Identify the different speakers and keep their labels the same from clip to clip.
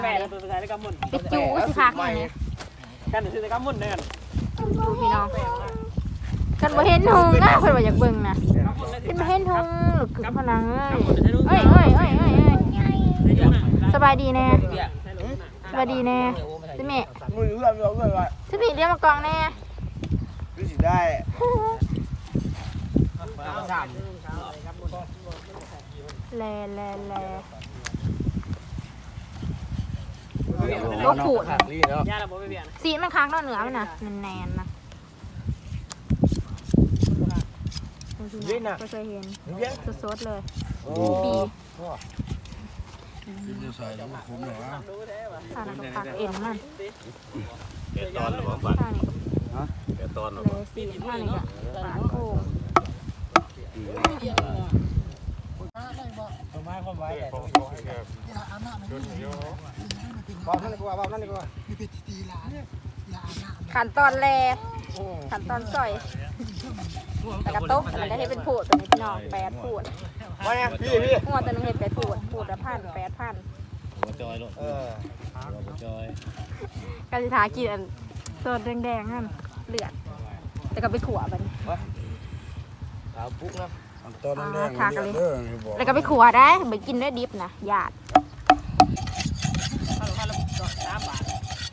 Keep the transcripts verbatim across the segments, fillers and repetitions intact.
Speaker 1: แม่ตัวใส่ได้กำมุ่น
Speaker 2: ปิดจูก็สิคักนี่
Speaker 1: กันซื้อได้กำมุ่นเนี่ย
Speaker 2: ดูพี่น้องกันบ่เห็นหุงนะเพิ่นว่าอยากเบิ่งนะขึ้นมาเห็นหุงหรือขึ้นพนังเอ้ยเอ้ยเอ้ยเอ้ยเอ้ยสบายดีแน่สบายดีแน่สิแม่
Speaker 3: มือเอื้อมเอื้อมเลย
Speaker 2: สิพี่เลี้ยงมากองแน่
Speaker 3: ดูสิได้
Speaker 2: แลแลแลโลกขูด
Speaker 1: ย่าเราบอกไม่เบียน
Speaker 2: สีมันค้างนอกเหนือมันน่ะแน่นๆนะก็เคยเห็นสดๆเลยบี
Speaker 3: ใส่แล้วคุ้มเลยวะ
Speaker 2: ข้าวก็ผักเอ็นมัน
Speaker 4: แกตอนหรือเปล่าบัตร
Speaker 2: ข้าวนี่
Speaker 4: แกตอนหรือ
Speaker 2: เล
Speaker 4: เปล่าย
Speaker 2: สีข้าวนี่ก็ปลาโค้ง
Speaker 3: ต้นไม้ความไว้บอกนั่นดีกว่าบอกนั่นดีกว่า
Speaker 2: ขั้นตอนแรกขั้นตอนซอยแต่กระโต๊ะมันได้ให้เป็นผูดตัวนี้พี่น้องแปดผูด
Speaker 3: มาเนี่ยพี่พี่
Speaker 2: หัวตัวนึงเห็ดแปดผูดผูดละพันแปดพัน
Speaker 4: หัวจอยลูก
Speaker 3: เออ
Speaker 4: หัวจอย
Speaker 2: กาสิทากินอันตัวแดงๆนั่นเลือดแต่ก็ไปขัวมัน
Speaker 3: สาวปุ๊กนะตอนนั้นแดงเด้อบอก
Speaker 2: แล้วก็ไปขัวได้ไปกินได้ดิบนะหยาด
Speaker 1: ข้าวข้าวสามบาท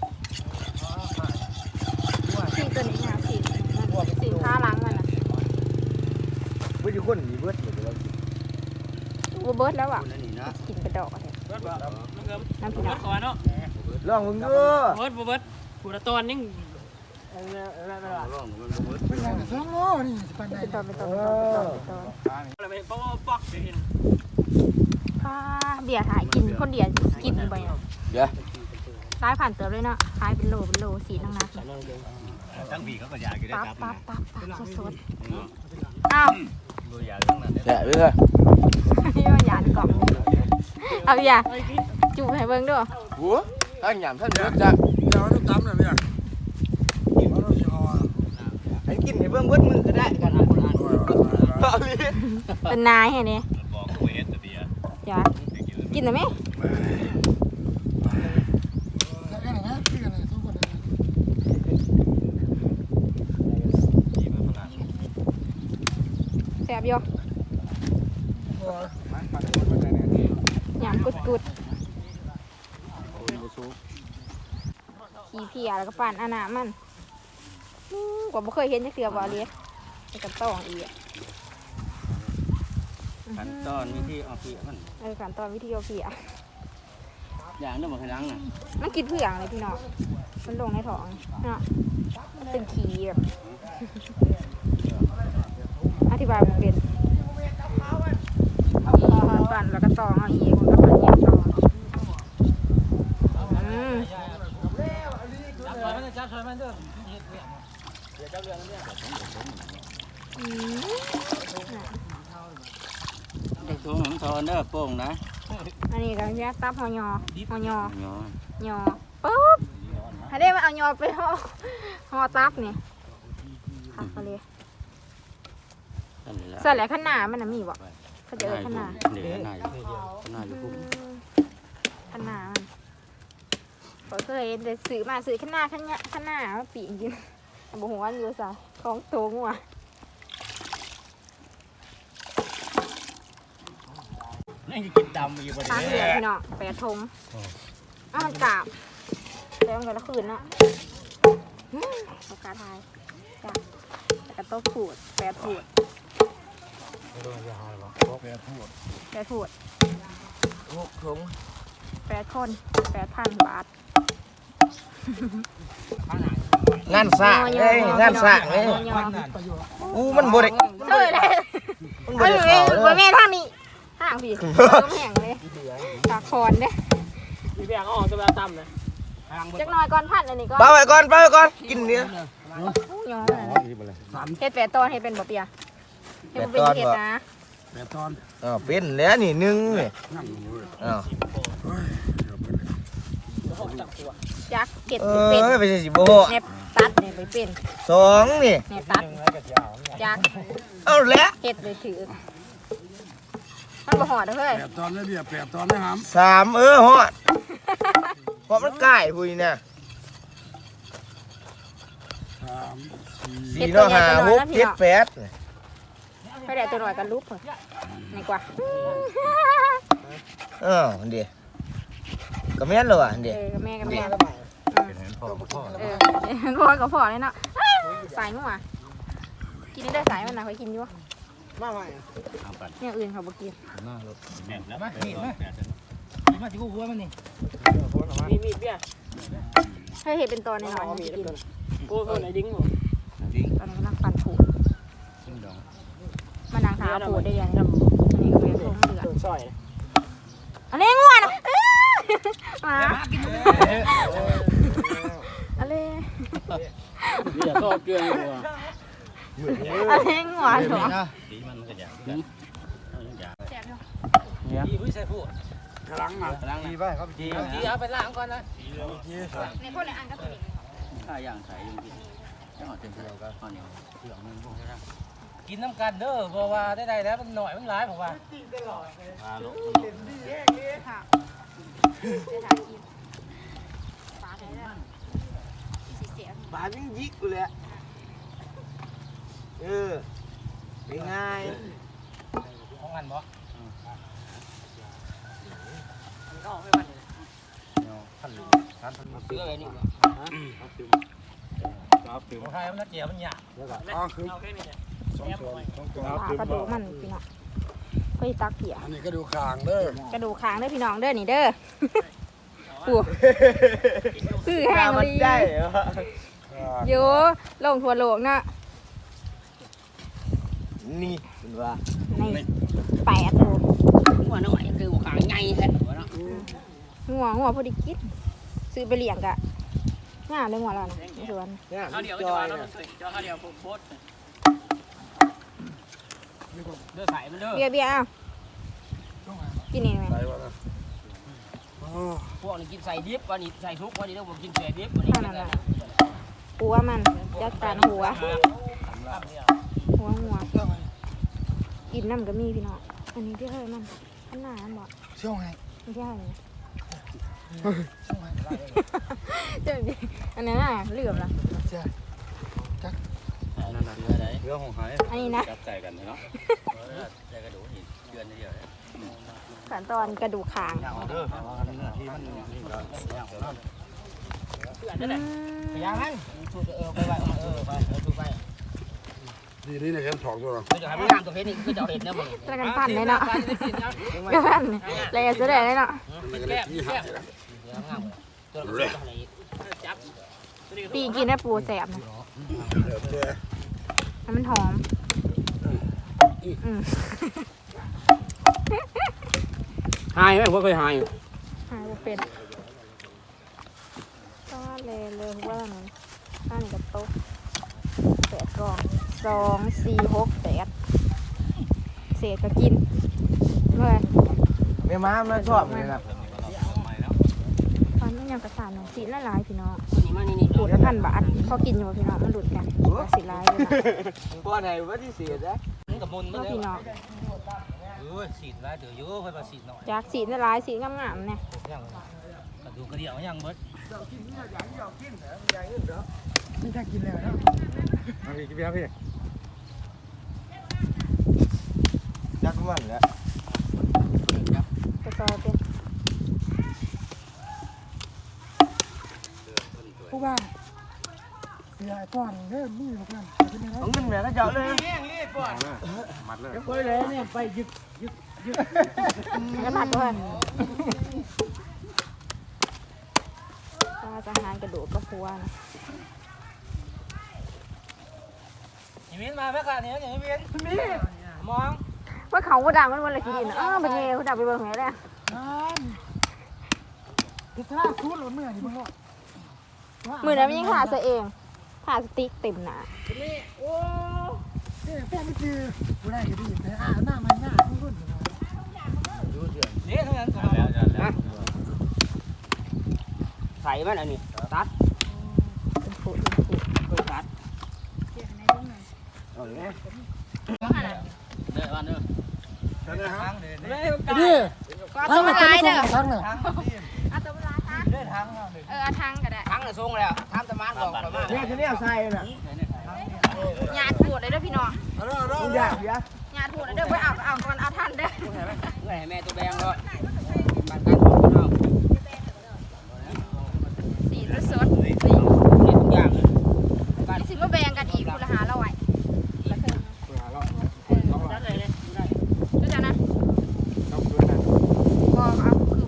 Speaker 2: สีตัวนี้นะสีสีผ้าล้างมันนะ
Speaker 3: ไม่อยู่คนมีเบิร์ดอยู่แล้ว
Speaker 2: วัวเบิร์ดแล้วอ่ะกินกระดอกเลยน้ำผิด
Speaker 1: เบิร์ดก่อนเนาะ
Speaker 3: ลองมึงเด้อ
Speaker 1: เบิร์ดเบิร์ดผู้ละตอนนิ่งเออไม่ไม่ไม่
Speaker 4: ร่องมันบ่เบิด
Speaker 3: เป็นไงสองโลนี่ปันได้
Speaker 2: เป็นตอนเป็นตอนเป็นตอนเป็นตอน
Speaker 1: อะไรไปป๊อกป๊อกเห็น
Speaker 2: ผ้าเบียร์ถ่ายกินคนเดียวกินไป
Speaker 3: เดี๋ยว
Speaker 2: ร้ายผ่านเติมเลยเนาะขายเป็นโลเป็นโลสีนังนัก
Speaker 4: ทั้งปีเขาก็อยากอยู่ได้
Speaker 2: ปั๊บ
Speaker 4: ครับ
Speaker 2: ปั๊บปั๊บปั๊บสดๆอ้าว
Speaker 4: บ่อยากทั้งนั้น
Speaker 3: แฉะไปเลย
Speaker 2: นี่มันหยาดกล่องเอาอย่าจูบให้เบิ่งด้วย
Speaker 3: หัวถ้าหยามท่านเบิร์ดจะเดี๋ยวต้องตำเลยพี่กินเราจะห่อให้กินให้เบิ่งเบิร์ดมือก็ได้กันนะคนอ่านเอาดิ
Speaker 2: เป็นนายเห็นไหม
Speaker 4: บอกกูเฮ็ดแต่เบียร์
Speaker 2: จ้ากินได้ไหมแซ่บอยู่หยามกุดกุดขี้เพียแล้วก็ปั่นอานามันกว่าบ่เคยเห็นจักเทื่อบ่เลยไอ้กระต้องอีก
Speaker 4: ขั้นตอนวิธีเอาเปียมัน
Speaker 2: เออขั้นตอนวิธีเอาเพีย
Speaker 4: อย่างนั้นบ่ขยันน่ะ
Speaker 2: มันกินเพื่องเลยพี่น้องมันลงในท้องเนาะเป็นขี้แบบอธิบายมันเป็นปั่นแล้วก็ตองเอาอีกแล้วก็ปั่นอีกตองอืม
Speaker 1: จับซอยมันเด้อ
Speaker 2: อืม
Speaker 4: เด็กสูงของทอนเด้อโป่งนะ
Speaker 2: อันนี้ก็แยกตับหอยอหอยอ
Speaker 4: เนาะ
Speaker 2: ยอปุ๊บให้ได้มาเอายอไปห่อห่อตับนี่ค่ะเขาเลย
Speaker 4: นั่นแหละ
Speaker 2: ใส่แหละข้างหน้ามันน่ะมีบ่เขาจะเอิ้นข้างหน้า
Speaker 4: เดี๋ยวข้างหน้าข้างหน้าอยู่พุ่ม
Speaker 2: ข้างหน้ามันเขาเคยได้ซื้อมาซื้อข้างหน้าข้างหน้าข้างหน้ามาปีกกินบ่ฮู้ว่าอยู่ซะของโตงัว
Speaker 4: นี่กินดำอยู่บ่
Speaker 2: ตาม
Speaker 4: ได้
Speaker 2: เลยพี่น้องแปดทงอ้าวมันกราบแต่มันก็ละคืนเนาะปากกาไทยจ้ะแล้วก็โต๊ะผูดแปดผูด
Speaker 3: แปดพูด
Speaker 2: แปดผูด
Speaker 3: หกถุง
Speaker 2: แปดคนแปดพันบาท
Speaker 3: งานสร้างเอ้ยงานสร้างเอ้ยอู้มันบ่ได้
Speaker 2: เอ้ยเลย
Speaker 3: มัน
Speaker 2: เอ้
Speaker 3: บ่
Speaker 2: ย
Speaker 3: ได้เข้าเล
Speaker 2: บ่
Speaker 3: ย
Speaker 2: แม่ทางนี้ทางพี่ต้องแห้งเลยตาคอนเด้
Speaker 1: มีเบียร์ก็ออกตัวแบบต่ำเลย
Speaker 2: จักหน่อยก่อนพันอันนี้ก็
Speaker 3: เบาไว้ก่อนเบาไว้ก่อนกินเนื้อ
Speaker 2: ยอมเฮ็ดแปดตอนเฮ็ดเป็นบ่เปียเฮ็ดบ่เป็นเฮ็ดนะ
Speaker 3: อ๋อเป็นแล้วนี่หนึ่งนี่อ้าว
Speaker 2: จักเก็บ
Speaker 3: เอ
Speaker 2: เป็น
Speaker 3: อไปสิบ่
Speaker 2: เน็บตัดเนี่ยไปเป็น
Speaker 3: สองนี่
Speaker 2: เน็บตัดจัก
Speaker 3: เอาแล้ว
Speaker 2: เฮ็ดเลยถือมันบ่หอดเด้อเฮ้ย
Speaker 3: สามเออฮอดเพราะมันใกล้พูนี่นะสี่เนาะห้าหกเจ็ดแปด
Speaker 2: ไปได้ตัวหน่อยกันลุกเลยนี่กว่า
Speaker 3: เออเดี๋ยวก็แม่นเลยอ่ะ
Speaker 2: เอ
Speaker 3: เดี๋ยว
Speaker 2: อกับแม่กับแม่
Speaker 4: เป็นพ่อพ่อ
Speaker 2: เออพ่อกับพ่อเลยเนาะสายงัวกินได้สายมันนะเคยกินอยู่
Speaker 3: มาใหม่
Speaker 4: เอาปัด
Speaker 2: เนี่ยอื่นเขาบอกกิน
Speaker 4: หน้ารถแม่นแล้ว
Speaker 1: มามีดมา
Speaker 4: มาที่กูหัวมันนี่
Speaker 1: มีมีดเบี้ย
Speaker 2: ให้เห็นเป็นตัวในหน่อยๆกิน
Speaker 1: โอ้โหไหนดิ้งบ่
Speaker 4: จริง
Speaker 2: ตอนนี้กำลังปั่นผูด
Speaker 4: จริงดอง
Speaker 2: มันนางทาผูดได้ยัง
Speaker 1: น้ำ
Speaker 2: อันนี้ก็เป็นทงเดือด
Speaker 1: โดนซอย
Speaker 2: อันนี้งัวนะมาอะไร
Speaker 1: เบี้ยซอบเกลืออยู่ว่ะ
Speaker 2: อันนี้งัวเหรอ
Speaker 4: ดีมันก็อยากกันเอาอย่างอยาก
Speaker 1: ดีผู้ใส่ผู้
Speaker 3: กำลังอ่ะ
Speaker 4: ล้างดีไปครับจี
Speaker 1: ดีเอาไปล้างก่อนนะ
Speaker 2: ในพวกในอ่างก็ตัวนี้
Speaker 4: ข้าย่างใส่จริงๆจังหวะเต็มที่ก็ข้าวเหนียวเผือกนึงพวกนี้นะ
Speaker 1: กินน้ำกันเด้อเพราะว่าได้ๆแล้วมันหน่อยมันหลายผมว่า
Speaker 4: พาลูก
Speaker 2: ค่ะจะถ่ายกินปลาได้แล้วสีเสีย
Speaker 3: บาดยิ่งยิกกูเลยเออเป็นไง
Speaker 1: ของกันบ่
Speaker 4: ท่านท่านท่าน
Speaker 1: เสื้ออะไรนี่บ่
Speaker 4: ครับตื่นครับตื่น
Speaker 1: ของไทยมันน่าเจียวมันหยาบเอาแค่นี้เนี่ย
Speaker 3: สองส่วนสองส่วน
Speaker 2: ปลากระดูกมันพี่น้องเฮ้ยตักเขีย
Speaker 3: อันนี้ก็ดูคางเด้อก
Speaker 2: ระดูกค้างเด้อพี่น้องเด้อนี่เด้อปูคือแห้งเลย
Speaker 3: ได้เหรอ
Speaker 2: โยลงทัวโลกนะ
Speaker 3: นี่เป็นว่า
Speaker 2: ในแปดตัว
Speaker 1: หัวหน่อยคือหัวขางใหญ่แท้หัวเนาะ
Speaker 2: หัวหัวพอดีกินซื้อไปเลี้ยงกะง่ายเลยหัวเรานะในสวน
Speaker 3: เนี่ย
Speaker 1: เอาเดี๋ยว
Speaker 3: จ
Speaker 1: จะ
Speaker 3: อ
Speaker 1: ว่าย แล้ว
Speaker 3: เนี่
Speaker 1: มั
Speaker 3: ย
Speaker 1: นจะเอาเดี๋ยวโพสเด้อใส่มันเด้อ
Speaker 2: เบียร์เบียร์เอากินนี่ไหม
Speaker 1: พวกนี้กินใส่ดิบวันนี้ใส่ทุกวันนี้เด้อผมกินใส่ดิบวันนี้
Speaker 2: เท่านั้นแหละหัวมันจัดการหัวหัวหัวกินน้ำก็มีพี่น้องอันนี้ที่เฮ้ยมันอันหนาอันบอก
Speaker 3: เชื่อไง
Speaker 2: ไม่ใช่เลยเจ้าดิอันนั้นน่ะเหลือบละ
Speaker 4: นั่นน่ะเรือไหนเรือของหาย
Speaker 2: อันนี้นะ
Speaker 4: จับใจกันเนาะใจกระดูกหินเดือนเดียว
Speaker 2: ขั้นตอนกระดูกคาง
Speaker 4: อย่างเด้อที่มันนี่ก็อย่างเนาะ
Speaker 1: นั่นแหละพยายามมันชูเออไปไปเออไปเออชูไป
Speaker 3: ดีนี่เนี่ยเห็นสองตัว
Speaker 1: คือจะให้มันงามตัวเพชรนี่คือจะเอาเห็ดเนี่ยมึง
Speaker 2: แล้วกันปั่นเลยเนาะ
Speaker 1: ปั่นได้สิเนาะ
Speaker 2: ก็ปั่นเลยจะได้เลยเนาะ
Speaker 1: แก้มแก้มงามตัวเล็กอะไรจับ
Speaker 2: ปีกินได้ปูแสบนะ
Speaker 3: เดี๋ยวเจ๊
Speaker 2: ให้มันหอมอืม
Speaker 1: หายไหมผมเคยหาย
Speaker 2: หายบ่เป็นก็เลยเลยว่ามันอันนี้กับโต๊ะแปดกล่องสองสี่หกแปดเศษก็กินเลย
Speaker 3: แม่ม้ามันชอบเลยนะ
Speaker 2: ตอนนี้ยังกระสานหนึ่งสีละลายพี่น้อง
Speaker 1: นี่มานี่นี่
Speaker 2: ขูดละพันบาทพอกินอยู่พี่น้องมันหลุดกันสีลายเลยนะ
Speaker 3: ป้อนไหนว่าที่เสียได้
Speaker 1: นี่กับมุนมัน
Speaker 2: เนาะ
Speaker 1: เลย
Speaker 2: พี่น้อง
Speaker 1: เออสีดได้เดี๋ยวเยอะค่อยมาสีดหน่อย
Speaker 2: จากสีละลายสีงามๆเนี่ย
Speaker 1: ยังกระดูกกระเดี่ยวยังเบิด
Speaker 3: ไม่ได้กินแล้วนะมาพี่กินพี่พี่ยักษ์มันแล้ว
Speaker 2: กระซอยเป็น
Speaker 5: ผู้บ้านเสียก่อนเริ่มมือกัน
Speaker 3: ต้องกินแม่ก็เจาะเลย
Speaker 4: มัดเลย
Speaker 1: ค่อยเลยเนี่ยไปยึก
Speaker 2: กระผัดด้วยก็จะหารกระดูกกระพัวนะ
Speaker 1: อย่างนี้มาแม่กันเนี่ยอย่างนี้เวียนมีมอง
Speaker 2: ว่าเขาก็ดังมันวันละกี่ดินอ้าวเป็นไงเขาดังไปเบิ่งไหนเลย
Speaker 5: นั่นติดท่าซูดหรือเมื่อนี่มึงก็
Speaker 2: มือนั้นมันยังขาดซะเองขาดสติ๊กเต็มหนา
Speaker 5: โอ้เอ๊ะแป้งไม่จือกูได้ก็ดีแต่อ่าหน้ามันหน้าทุกรุ่น
Speaker 1: เนี่ยทั้งนั้น
Speaker 4: แล้วจะแล้ว
Speaker 1: ใส่มันอันนี้ตัด
Speaker 2: เป็นฝูเป็นฝู
Speaker 1: เพิ่งตัด
Speaker 3: เอาเลย
Speaker 4: เด้อบ้านเด้อ
Speaker 3: ท่านนะฮะ
Speaker 1: เลย
Speaker 5: ดี
Speaker 2: ก็ตัวมันลายเด้อ
Speaker 5: ทั้งเนี่ย
Speaker 2: เอาตัวมันลายซะ
Speaker 1: เดินทาง
Speaker 2: เออเอาทางก็ได้
Speaker 1: ทั้งน่ะส่งแล้วทำตะมานบอกประมาณ
Speaker 3: เนี่ยจะเนี่ยใส่น่ะ
Speaker 2: ญาติพูดเลยเด้อพี่น้อง
Speaker 5: เอาเด้อเอาเด้อ
Speaker 3: มึงอยากเสีย
Speaker 2: ญาติพูดเลยเด้อไปเอาเอาก่อนเอาท่านเด้อ
Speaker 1: เมื่อให้แม่ตัวแบงก็บ้านกันของเรา
Speaker 2: สีจะสดสี
Speaker 1: นี่ทุกอย่างเลยบ้าน
Speaker 2: นี่สิมาแบ่งกันอีกคุณละหาเราไว้ดูจ้ะนะก็เอาคือ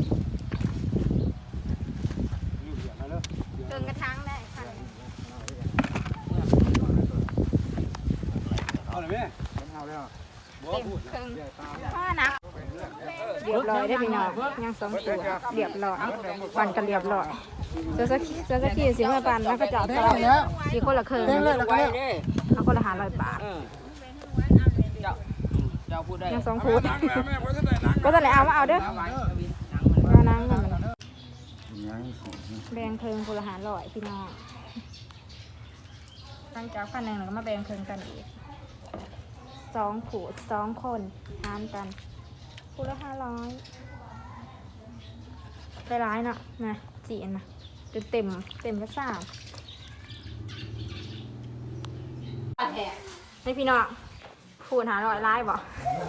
Speaker 2: เติมกระชังได้ค่ะ
Speaker 3: เอาเลยแม่เอาแล้ว
Speaker 2: เต็มเครื่องผ้านักเรียบร้อยได้อพี่น้องยังสองตัวเรียบร้อยปั่นกันเรียบร้อยเจ้าสักเจ้าสักทีเสียงมาปั่นแล้วก็จับ
Speaker 5: เด้
Speaker 2: ต่
Speaker 5: ง
Speaker 2: อ
Speaker 5: แล้ว
Speaker 2: สีคนละเครื่อง
Speaker 5: เด้งเลยแล้วก็
Speaker 1: ไว้
Speaker 5: แล้ว
Speaker 1: เด้
Speaker 2: เอาคนละหาร้อยบาท
Speaker 1: เออเจ้าเจ้าพูดได้
Speaker 2: ยังสองคูดก็จะไหนเอามาเอาเด้อเอานั่งเงินมันแบ่งเครื่องคนละหาร้อยพี่น้องหลังจากพันหนึ่งเราก็มาแบ่งเครื่องกันอีกสองขูดสองคนหารกันคูละห้าร้อยได้ร้ายเนาะนะจีนนะจนเต็มเต็มกระซ่าให้พี่น้องขูดหาร้อยร้ายบ่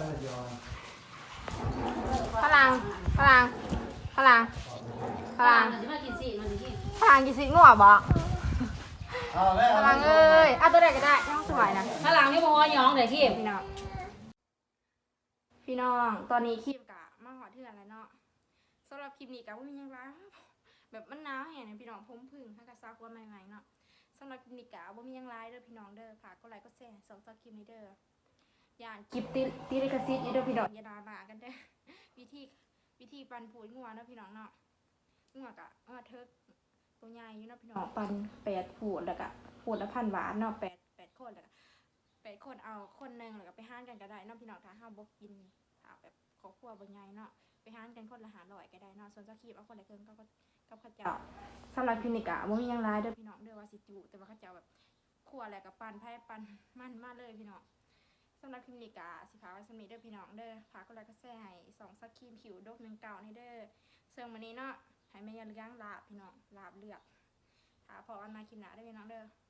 Speaker 2: พลังพลังพลังพลังพลังกินสิงัวบ่พลังเอ้ยเอาตัวใดก็ได้น้องสวยนะ
Speaker 6: ข้างหลังนี่บ่ว่าหยองเด้อขี้
Speaker 2: พี่น้องพี่น้องตอนนี้คลิปกะมาหอดเถื่อนแล้วเนาะสำหรับคลิปนี้กะว่ามีหยังไรแบบมันหนาวแห้งเนี่ยพี่น้องผมพึ่งถ้ากะซักว่าใหม่ๆเนาะสำหรับคลิปนี้กะว่ามีหยังไรเด้อพี่น้องเด้อฝากกดไลค์กดแชร์สองต่อคลิปนี้เด้ออย่าคลิปติติลิขสิทธิ์เด้อพี่น้องอย่าด่ามากันเด้อวิธีวิธีปั่นผูดงัวเนาะพี่น้องเนาะงัวกะงัวเทิกตัวใหญ่อยู่เนาะพี่น้องปั่นแปดผูดแล้วกะผูดละพันบาทเนาะแปดแปดคนแล้วกะแปดคนเอาคนหนึ่งแล้วก็ไปห้านกันก็ได้เนาะพี่น้องถ้าห้าบกกินถ้าแบบครอบครัวบ่ใหญ่เนาะไปห้านกันคนละหาร้อยก็ได้เนาะส่วนเจ้าคีบเอาคนละเครื่องก็กับข้าวเจ้าสำหรับคลินิกอะว่ามีหยังร้ายเด้อพี่น้องเด้อว่าสิจุแต่ว่าข้าวเจ้าแบบคั่วอะไรกับปันไผ่ปันมันมากเลยพี่น้องสำหรับคลินิกอะสิพาไว้สมีเด้อพี่น้องเด้อพาก็เลยก็แซ่ให้สองสักครีมผิวดกหนึ่งเก่าในเด้อเสื่อมวันนี้เนาะให้แม่ยันเลี้ยงลาบพี่น้องลาบเลือดถ้าพออันมาคลิปหน้าได้อพี่น้องเด้อ